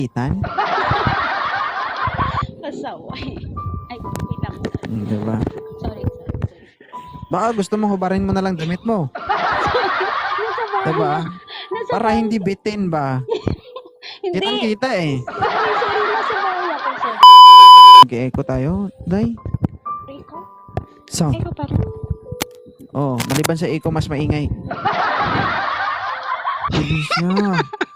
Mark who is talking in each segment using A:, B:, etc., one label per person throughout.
A: Itan?
B: Pasaway. Ay, wait lang.
A: Diba?
B: Sorry.
A: Baka gusto mo hubarin mo na lang damit mo.
B: Nasa bahay.
A: Diba?
B: Nasa
A: Para
B: bahay.
A: hindi bitin ba?
B: Hindi.
A: Kitang-kita eh.
B: Sorry, nasa bahay ako, sir.
A: Mag-echo tayo, Day.
B: Rico?
A: Sound.
B: Eko pa rin.
A: Oh, maliban sa echo, mas maingay. Hindi siya.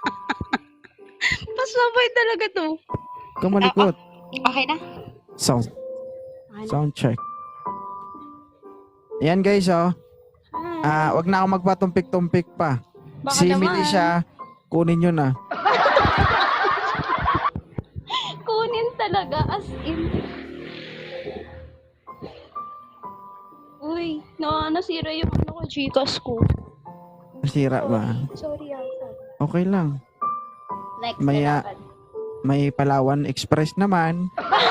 B: Pasaway talaga to.
A: Kamalikot.
B: Okay na?
A: Sound.
B: Okay na.
A: Sound check. Ayan guys, oh.
B: Hi.
A: Wag na ako magpatumpik-tumpik pa.
B: Baka
A: Si
B: naman.
A: Milicia, kunin nyo na.
B: Kunin talaga, as in. Uy, nasira yung ano ko, Gcash ko.
A: Nasira ba?
B: Sorry.
A: Okay lang.
B: Next,
A: Maya-
B: kailangan.
A: May Palawan Express naman.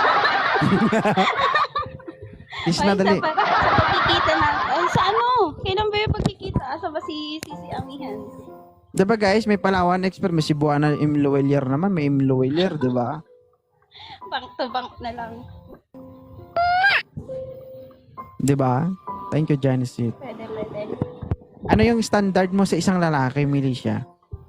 A: Is na dali.
B: Sa pagkikita na. Sa ano? Kailan ba yung pagkikita? Asa ba si Amihan?
A: Diba guys, may Palawan Express, may Cebuana Imloelier naman, may Imloelier, diba?
B: Bank to bank na lang.
A: Diba? Thank you, Janice.
B: Pwede.
A: Ano yung standard mo sa isang lalaki, Milicia?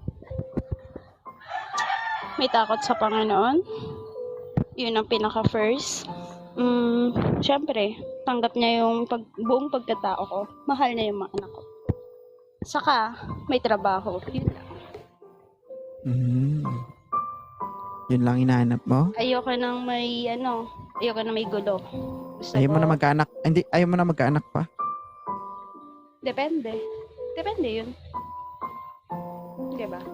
B: May takot sa Panginoon. Yun ang pinaka-first. Siyempre, tanggap niya yung buong pagkatao ko. Mahal niya yung mga anak ko. Saka, may trabaho. Yun lang.
A: Yun lang hinahanap mo?
B: Ayoko nang may gulo. Gusto
A: Ayaw
B: ko,
A: mo na magkaanak? Hindi, ayaw mo na magkaanak pa?
B: Depende. Depende yun. Diba?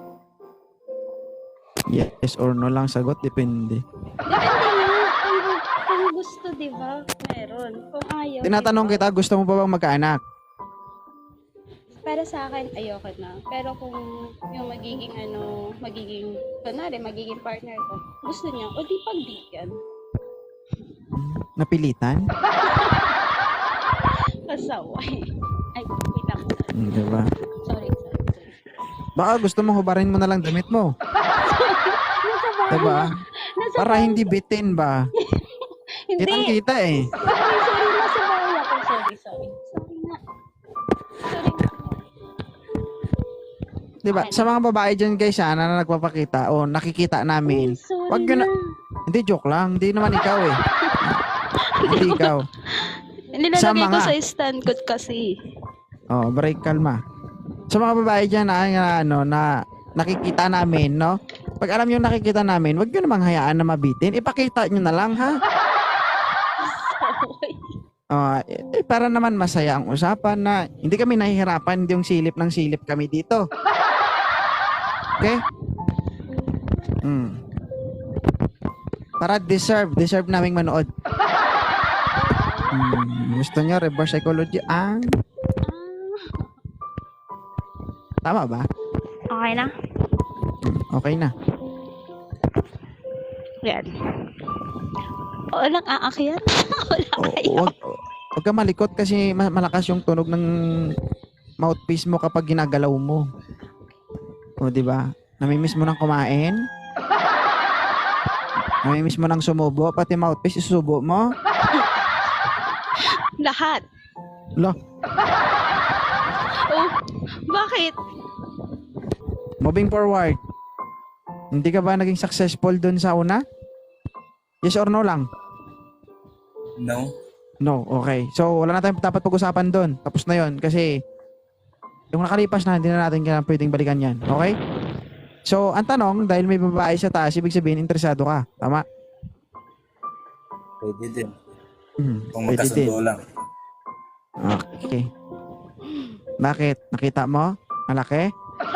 A: Yes or no lang sagot, depende.
B: Depende nga. Kung gusto, diba? Meron. Kung ayaw,
A: Tinatanong
B: diba?
A: kita, gusto mo pa bang magkaanak?
B: Para sa akin, ayoko na. Pero kung yung magiging partner ko, gusto niya, o di pagbigyan.
A: Napilitan?
B: Pasaway. Ay, wait lang.
A: Diba?
B: Sorry.
A: Baka gusto mo hubarin mo na lang damit mo.
B: Nasa bahay.
A: Diba?
B: Nasa
A: Para
B: bahay.
A: hindi bitin ba?
B: Hindi.
A: Kitang-kita eh.
B: Sorry. Nasa bahay ako. Sorry. Sorry nga.
A: Diba?
B: Okay.
A: Sa mga babae dyan guys na nagpapakita o nakikita namin.
B: Sorry
A: Wag yun
B: na.
A: Hindi, joke lang. Hindi naman ikaw eh. Hindi ikaw. Sa
B: Nilalagay ko
A: mga-
B: sa stand ko kasi.
A: Oh, break, kalma. Sa mga babae dyan na nakikita namin, no? Pag alam nyo nakikita namin, wag nyo namang hayaan na mabitin. Ipakita nyo na lang, ha? Para naman masaya ang usapan na hindi kami nahihirapan, hindi yung silip ng silip kami dito. Okay? Para deserve naming manood. Gusto nyo reverse psychology? Tama ba?
B: Okay na?
A: Okay na.
B: Yan. Walang aakyat? Walang aakyat.
A: Huwag ka malikot kasi malakas yung tunog ng mouthpiece mo kapag ginagalaw mo. O, di ba? Namimiss mo nang kumain? Namimiss mo nang sumubo? Pati mouthpiece, isusubo mo?
B: Lahat.
A: Lo,
B: Oh, bakit?
A: moving forward. Hindi ka ba naging successful dun sa una? Yes or no lang?
C: No.
A: No, okay. So, wala na tayong dapat pag-usapan doon. Tapos na yon kasi yung nakalipas na, hindi na natin kailangan pwedeng balikan yan. Okay? So, ang tanong, dahil may babae sa taas, ibig sabihin, interesado ka. Tama?
C: Pwede din. Kung
A: Pwede din.
C: magkasundo lang.
A: Okay. Bakit? Nakita mo? Malaki?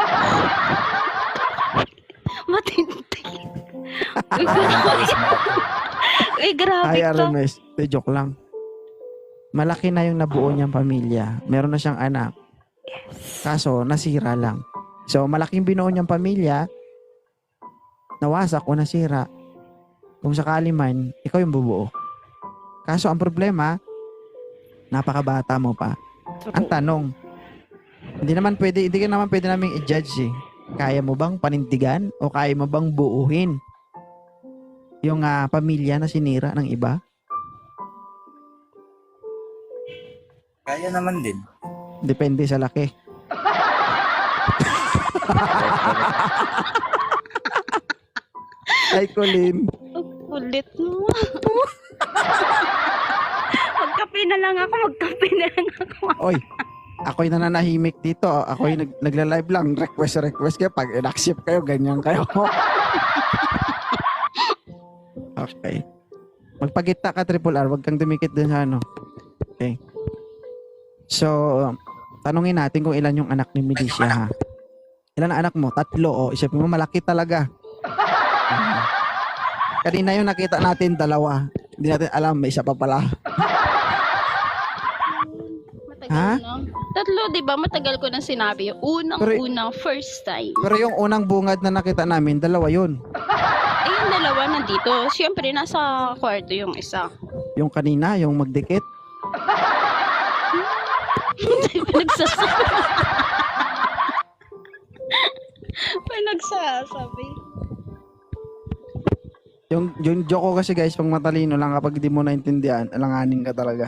B: Matindi. Uy, grabe
A: Ay,
B: to.
A: RMS. Joke lang. Malaki na yung nabuo niyang pamilya. Meron na siyang anak. Kaso, nasira lang. So, malaking binuo niyang pamilya, nawasak o nasira. Kung sakali man, ikaw yung bubuo. Kaso, ang problema, napakabata mo pa. Ang tanong, hindi ka naman pwede naming i-judge eh. Kaya mo bang panindigan o kaya mo bang buuhin yung pamilya na sinira ng iba?
C: Kaya naman din.
A: Depende sa laki. Ay, Colin.
B: Ang kulit mo. Magkape na lang ako.
A: Oy, ako'y nananahimik dito. Ako'y nagla-live lang. Request kayo. Pag in-accept kayo, ganyan kayo. Okay. Magpagita ka, Triple R. Huwag kang dumikit dun sa ano. Okay. So, tanungin natin kung ilan yung anak ni Milicia, ha? Ilan ang anak mo? 3. O, isipin mo, malaki talaga. Kanina yung nakita natin, 2. Hindi natin alam, may isa pa pala.
B: Matagal
A: Ha?
B: na. 3, di ba? Matagal ko nang sinabi. Unang first time.
A: Pero yung unang bungad na nakita namin, 2 yun.
B: Eh, yung 2 nandito. Siyempre, nasa kwarto yung isa.
A: Yung kanina, yung magdikit.
B: Pinagsasabi. Pinagsasabi.
A: Yung joke ko kasi guys, pang matalino lang kapag di mo naintindihan, alanganin ka talaga.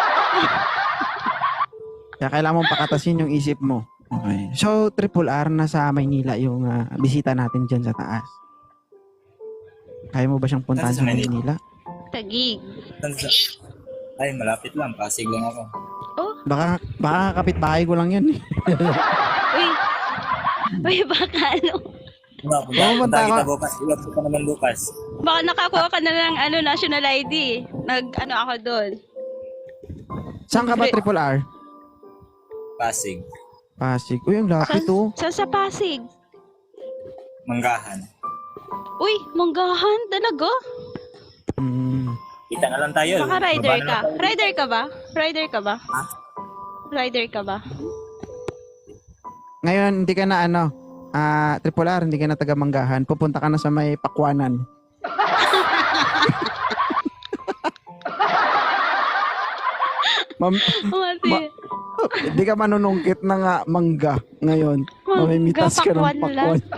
A: Kaya kailangan mong pakatasin yung isip mo. Okay. So, Triple R, nasa Maynila yung bisita natin dyan sa taas. Kaya mo ba siyang puntahan
C: Nasa
A: sa Maynila?
B: Tagig.
C: Ay, malapit lang. Pasig lang ako.
B: Oh,
A: Baka kapitbahay ko lang yun.
B: uy. Uy, baka ano.
A: Pumunta
C: Punta kita
A: ako.
C: bukas. Iwan ko pa naman bukas.
B: Baka nakakuha ka na ng national ID. Ako doon.
A: Saan ka ba, Triple R?
C: Pasig.
A: Pasig. Uy, ang lapit oh.
B: Sa Pasig.
C: Manggahan.
B: Uy, manggahan talaga?
A: Hmm.
C: Kita na lang tayo.
B: Baka rider
C: Baba na
B: ka.
C: lang tayo.
B: Rider ka ba? Rider ka ba?
C: Ha?
B: Rider ka ba?
A: Ngayon, hindi ka na Triple R, hindi ka na taga Manggahan. Pupunta ka na sa may Pakwanan.
B: Mati.
A: Hindi ka manunungkit na nga mangga ngayon. Mamimitas ka ng
B: Pakwan lang.
A: pakwan.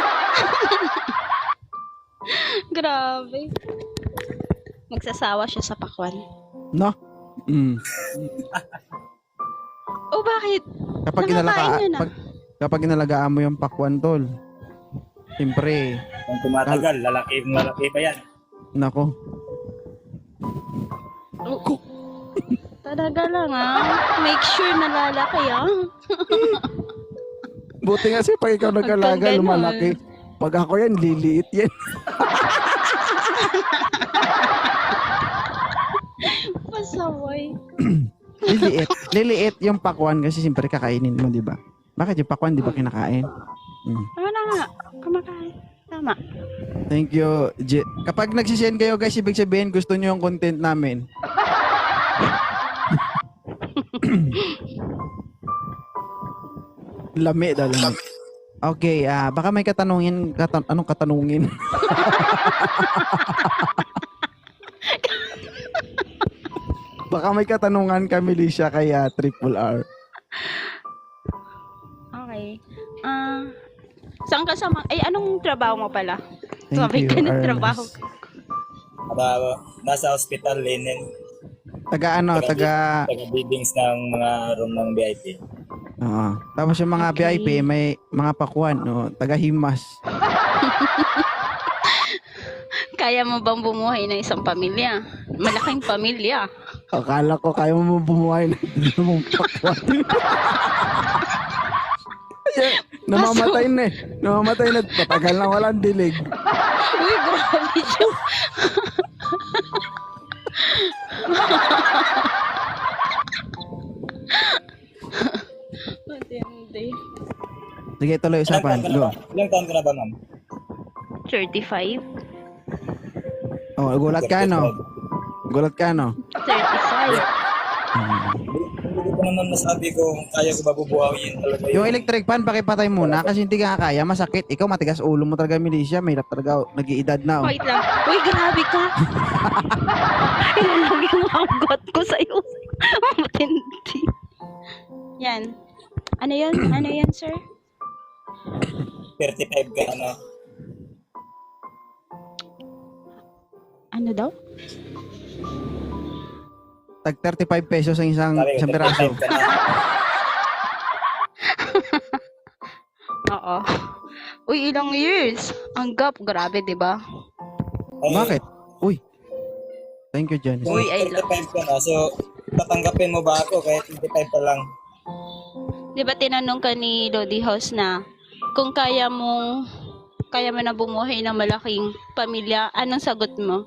B: Grabe. Magsasawa siya sa pakwan.
A: No? Mm.
B: Oh, bakit?
A: Kapag
B: Nakakain yun,
A: kapag inalagaan mo yung pakwan, tol. Siyempre,
C: Kung tumatagal, lalaki pa yan.
A: nako.
B: Talaga lang Make sure na lalaki
A: Buti nga si pag ikaw nag-alaga,
B: Pag ganun.
A: lumalaki. Pag ako yan, liliit yan.
B: Pasaway.
A: Liliit yung pakwan kasi siyempre kakainin mo, di ba? Bakit yung pakwan, di ba kinakain? Mm.
B: Tama na nga. Kumakain. Tama.
A: Thank you, kapag nagsisend kayo guys, ibig sabihin gusto nyo yung content namin. Lami daw, lami. Okay, baka may katanungin, anong katanungin? Baka may katanungan ka, Milicia, kaya Triple R.
B: Okay. Saan ka anong trabaho mo pala?
A: Thank
B: Sabi
A: you,
B: ka ng
A: Ernest.
B: trabaho.
C: Nasa hospital, linen.
A: Taga
C: Taga-biddings ng mga room ng VIP.
A: Oo. Tapos yung mga
B: Okay.
A: VIP, may mga pakwan, no? Taga-himas.
B: Kaya mo bang bumuhay ng isang pamilya? Malaking pamilya.
A: Akala ko kaya mo bumuhay ng dalawang pakwan. Namamatay na eh. Namamatay na. Patagal na walang dilig.
B: Uy, grabe siya. Matindi.
A: Sige, tuloy usapan. Go.
C: Ilang taon ka na ba, ma'am?
B: 35?
A: Oh, gulat ka, no? Gulat ka, no?
B: 35.
C: Hindi ko naman masabi kung kaya ko ba bubuhayin talaga
A: Yung electric fan, pakipatay muna kasi hindi ka kaya, masakit. Ikaw, matigas ulo mo talaga, Milicia. Mahirap talaga. Nag-iedad na, oh.
B: Wait lang. Uy, grabe ka. Ilalag yung hanggot ko sa'yo. Matindi. Yan. Ano yan? Ano yan, sir?
C: 35 ka na.
B: Ano daw?
A: Tag 35 pesos ang isang
C: Sabi ko,
A: piraso.
C: 35 ka na.
B: Oo. Uy, ilang years? Ang gap, grabe, di ba?
C: Ay,
A: Bakit? Uy. Thank you, Janice.
C: Kung
B: Uy, I love-
C: 35 ka na, so tatanggapin mo ba ako kahit 25 pa lang?
B: Di ba tinanong ka ni Lodi House na kung kaya mo na bumuhay ng malaking pamilya, anong sagot mo?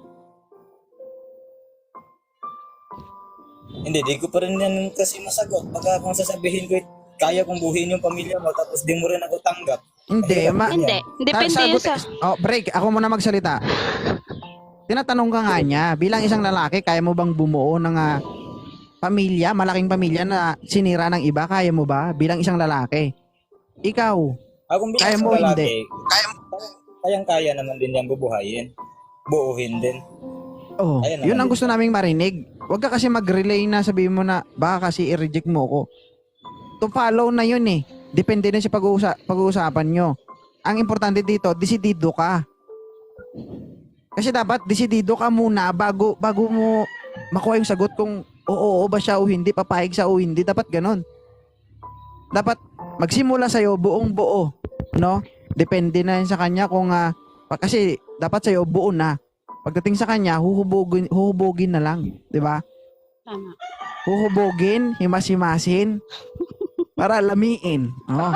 C: Hindi, di ko pa rin yan kasi masagot. Baka kung sasabihin ko, kaya kong buhin yung pamilya mo, tapos di mo rin ako tanggap.
A: Hindi,
B: Hindi. Depende yun sa...
A: Oh, break. Ako muna magsalita. Tinatanong ka nga niya, bilang isang lalaki, kaya mo bang bumuo ng pamilya, malaking pamilya na sinira ng iba? Kaya mo ba? Bilang isang lalaki. Ikaw,
C: Kung
A: Kaya
C: bilang
A: mo,
C: isang lalaki,
A: hindi.
C: kayang-kaya naman din yan bubuhayin. Buuhin din.
A: oh,
C: Ayun
A: yun
C: naman
A: ang
C: din.
A: gusto naming marinig. Huwag ka kasi mag-relay na sabihin mo na baka kasi i-reject mo ko. To follow na yun eh. Depende na sa pag-uusapan nyo. Ang importante dito, desidido ka. Kasi dapat desidido ka muna bago mo makuha yung sagot kung oo ba siya o hindi, papayag siya o hindi. Dapat ganon. Dapat magsimula sa'yo buong buo. No? Depende na yun sa kanya kung kasi dapat sa'yo buo na. Pagdating sa kanya, huhubogin na lang. Di ba?
B: Tama.
A: Huhubogin, himas-himasin, para lamiin. Oh.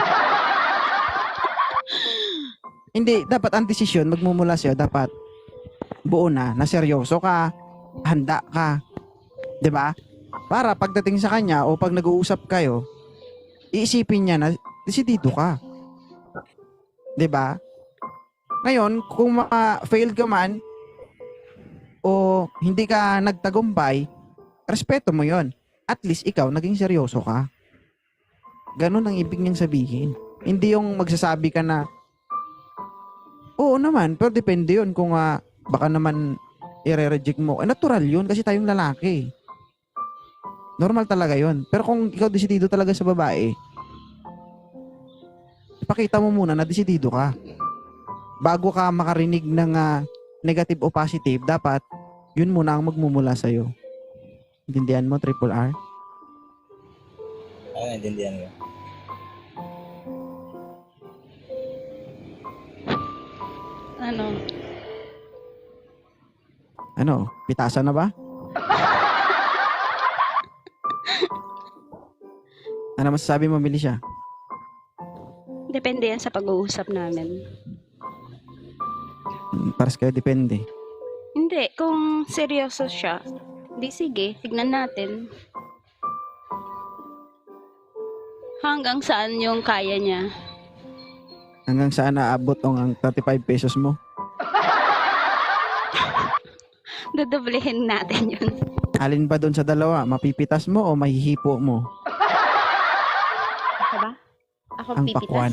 A: Hindi, dapat ang desisyon, magmumula sa'yo, dapat buo na seryoso ka, handa ka. 'Di ba? Para pagdating sa kanya o pag nag-uusap kayo, iisipin niya na desidido ka. 'Di ba? Ngayon, kung failed ka man o hindi ka nagtagumpay, respeto mo 'yon. At least ikaw naging seryoso ka. Ganun ang ibig niyang sabihin. Hindi yung magsasabi ka na oo naman, pero depende 'yon kung baka naman i-reject mo. Natural 'yun kasi tayong lalaki. Normal talaga 'yon. Pero kung ikaw desidido talaga sa babae, ipakita mo muna na desidido ka. Bago ka makarinig ng negative o positive, dapat yun muna ang magmumula sa'yo. Intindihan mo, Triple R?
C: Naintindihan mo.
B: Ano?
A: Pitasan na ba? Ano masasabi mo, Melisha?
B: Depende yan sa pag-uusap namin.
A: Paras kayo, depende.
B: Hindi, kung seryoso siya, di sige, tignan natin. Hanggang saan yung kaya niya.
A: Hanggang saan naabot ang 35 pesos mo?
B: Dodoblehin natin yun.
A: Alin ba doon sa dalawa? Mapipitas mo o mahihipo mo?
B: Diba? Ako
A: Ang
B: pipitas.
A: pakwan.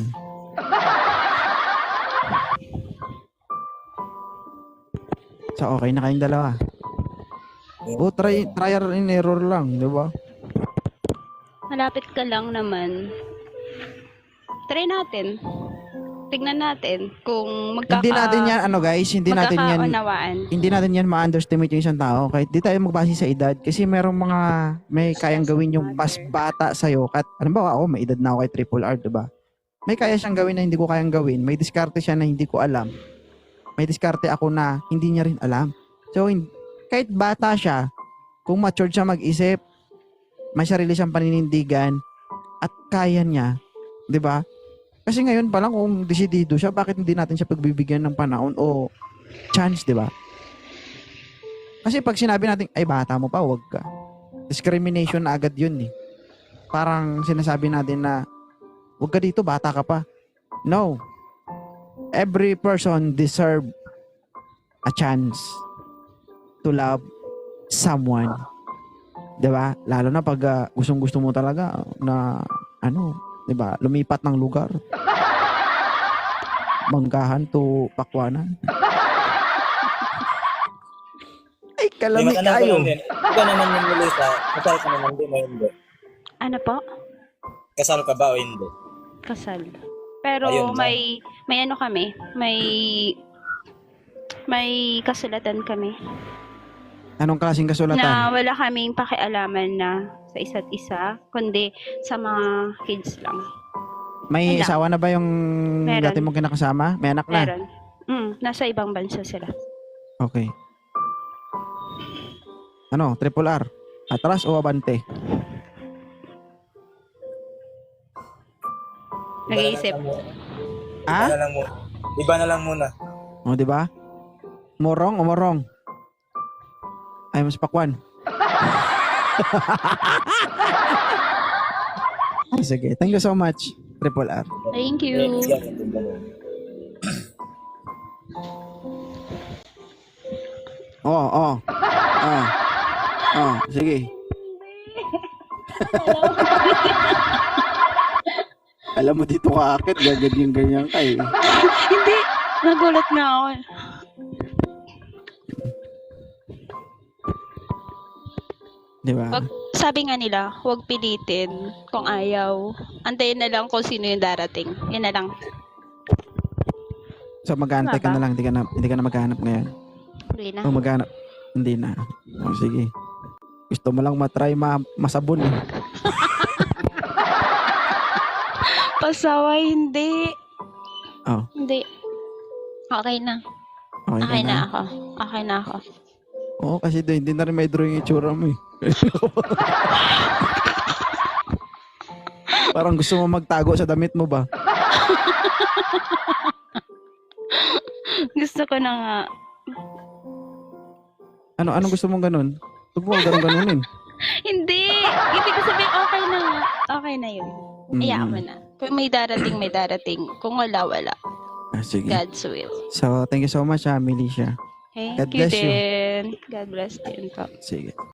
A: So, okay na kayong dalawa. O, trial and error lang, di ba?
B: Malapit ka lang naman. Try natin. Tignan natin kung
A: Hindi natin yan, guys, hindi natin yan,
B: magkakaunawaan.
A: hindi natin yan ma-underestimate yung isang tao. Kahit di tayo magbase sa edad. Kasi merong may kayang gawin yung mas bata sa'yo. At, alam ba, ako, may edad na ako kay Triple R, di ba? May kaya siyang gawin na hindi ko kayang gawin. May diskarte siya na hindi ko alam. May diskarte ako na hindi niya rin alam. So, kahit bata siya, kung matured siya mag-isip, may sarili siyang paninindigan, at kaya niya, di ba? Kasi ngayon pa lang kung desidido siya, bakit hindi natin siya pagbibigyan ng panahon o chance, di ba? Kasi pag sinabi natin, ay bata mo pa, wag ka. Discrimination na agad yun eh. Parang sinasabi natin na, wag ka dito, bata ka pa. No. Every person deserve a chance to love someone. Di ba? Lalo na pag gustong-gusto mo talaga na, di ba, lumipat ng lugar. Manggahan to Pakwanan. Ay, kalami
C: May matanong ko
A: kayo.
C: lang din. Ikaw naman yung Melissa, kasal ka naman din o hindi?
B: Ano po?
C: Kasal ka ba o hindi?
B: Kasal. Pero
C: Ayun na.
B: may ano kami, may May kasulatan kami
A: Anong klaseng kasulatan?
B: na wala kaming pakialaman na sa isa't isa, kundi sa mga kids lang.
A: May
B: wala.
A: asawa na ba yung
B: Meron.
A: dati mong kinakasama? May anak na?
B: Meron. Nasa ibang bansa sila.
A: Okay. Ano, triple R? Atras o abante?
B: Nag-iisip.
A: Ah?
C: Iba na lang muna. Iba na lang muna.
A: O, di ba? Morong o morong? Ay, mas pakwan. Ay, sige. Thank you so much, Triple R.
B: Thank you.
A: Oo, oo. Sige. Alam mo dito ka akit, gaganyan-ganyan ka eh.
B: Hindi. Nagulat na ako.
A: Di ba?
B: Sabi nga nila, huwag pilitin kung ayaw. Antayin na lang kung sino yung darating. Yan na lang.
A: So mag-aantay ka
B: Tama ba?
A: na lang, hindi ka na maghanap ngayon.
B: Huli na.
A: O maghanap, hindi na. O sige. Gusto mo lang matry masabon eh.
B: Pasaway, hindi.
A: Oh,
B: Hindi. Okay na.
A: okay,
B: Okay
A: ka
B: na ako. Okay na ako.
A: Oo, kasi hindi na rin may drawing yung itsura mo eh. Parang gusto mo magtago sa damit mo ba?
B: Gusto ko na nga.
A: Anong gusto mong ganun? Huwag mo ganun-ganunin.
B: Hindi. Ibig ko sabihin, okay na nga. Okay na yun. Hayaan mo na. Kung may darating, may darating. Kung wala, wala.
A: Sige.
B: God's will.
A: So, thank you so much, Milicia.
B: Thank
A: God
B: you
A: bless you.
B: din. God bless din po.
A: Sige.